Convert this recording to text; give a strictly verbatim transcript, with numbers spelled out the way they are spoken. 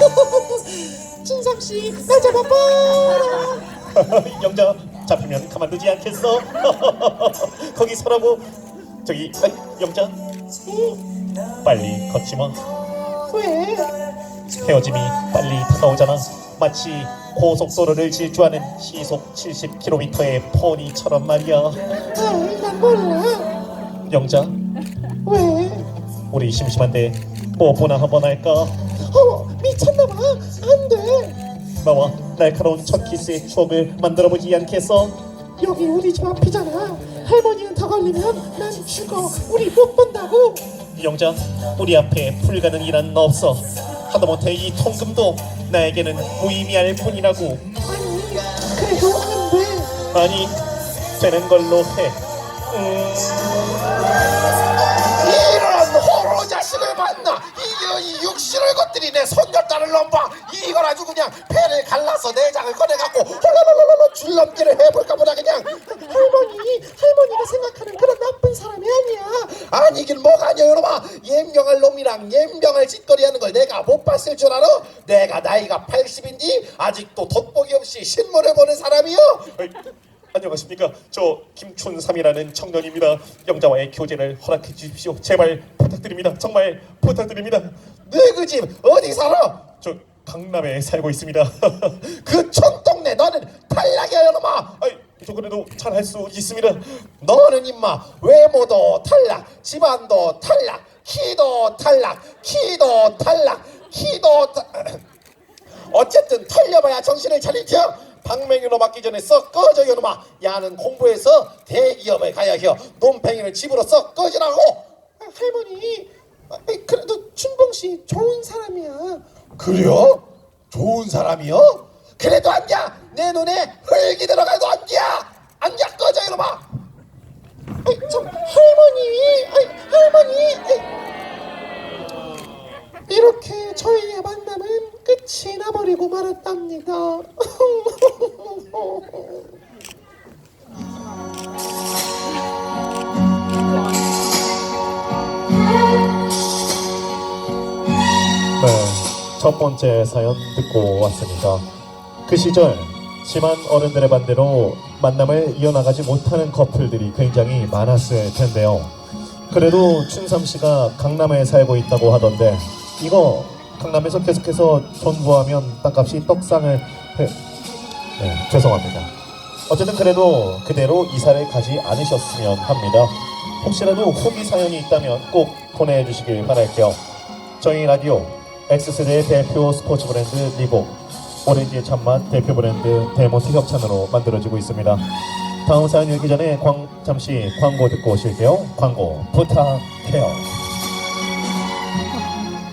춘삼씨 나 잡아봐. 영자 잡히면 가만두지 않겠어. 거기 서라고. 저기 아이, 영자 빨리 걷지 마. 왜? 헤어짐이 빨리 다가오잖아. 마치 고속도로를 질주하는 시속 칠십 킬로미터의 포니처럼 말이야. 아이 난 몰라. 영자 왜? 우리 심심한데 뽀뽀나 한번 할까? 어 미쳤나봐. 안돼. 나와 날카로운 첫 키스의 추억을 만들어보지 않겠어? 여기 우리 집 앞이잖아. 할머니는 더 걸리면 난 죽어. 우리 못 본다고. 영자 우리 앞에 불가능이란 없어. 하다못해 이 통금도 나에게는 무의미할 뿐이라고. 아니 그래도 안돼. 아니 되는 걸로 해. 음... 이런 호로 자식을 봤나? 이게 이 육신을 것들이 내 손녀딸을 넘봐. 이걸 아주 그냥 배를 갈라서 내장을 꺼내갖고 홀로로로로 줄넘기를 해볼까 보다 그냥. 할머니 할머니가 생각하는 그런 나쁜 사람이 아니야. 아니긴 뭐가 아니야 여러분. 옌병할 놈이랑 옌병할 짓거리하는 걸 내가 못 봤을 줄 알아? 내가 나이가 팔십인데 아직도 돋보기 없이 신문을 보는 사람이요? 어이, 안녕하십니까. 저 김춘삼이라는 청년입니다. 영자와의 교제를 허락해 주십시오. 제발 부탁드립니다. 정말 부탁드립니다. 너 그 집 어디 살아? 저 강남에 살고 있습니다. 그 촌동네 너는 탈락이야 여러마. 아이, 저 그래도 잘 할 수 있습니다. 너는 임마 외모도 탈락, 집안도 탈락, 키도 탈락, 키도 탈락, 키도 타... 어쨌든 털려봐야 정신을 차리죠. 방맹이로 맞기 전에 썩 꺼져 이놈아. 야는 공부해서 대기업에 가야 해요. 놈팽이는 집으로 썩 꺼지라고. 아, 할머니 아이, 그래도 춘봉씨 좋은 사람이야. 그래요? 좋은 사람이요? 그래도 안냐? 내 눈에 흙이 들어가도 안냐? 안냐 꺼져 이놈아. 아이, 참 할머니 아이, 할머니 아이. 이렇게 저희의 만남은 끝이 나버리고 말았답니다. 네, 첫 번째 사연 듣고 왔습니다. 그 시절 심한 어른들의 반대로 만남을 이어나가지 못하는 커플들이 굉장히 많았을 텐데요. 그래도 춘삼씨가 강남에 살고 있다고 하던데 이거 강남에서 계속해서 존버하면 땅값이 떡상을 해... 네, 죄송합니다. 어쨌든 그래도 그대로 이사를 가지 않으셨으면 합니다. 혹시라도 후기 사연이 있다면 꼭 보내주시길 바랄게요. 저희 라디오 X세대의 대표 스포츠 브랜드 리복 오렌지의 참맛 대표 브랜드 데모트 협찬으로 만들어지고 있습니다. 다음 사연 읽기 전에 광, 잠시 광고 듣고 오실게요. 광고 부탁해요.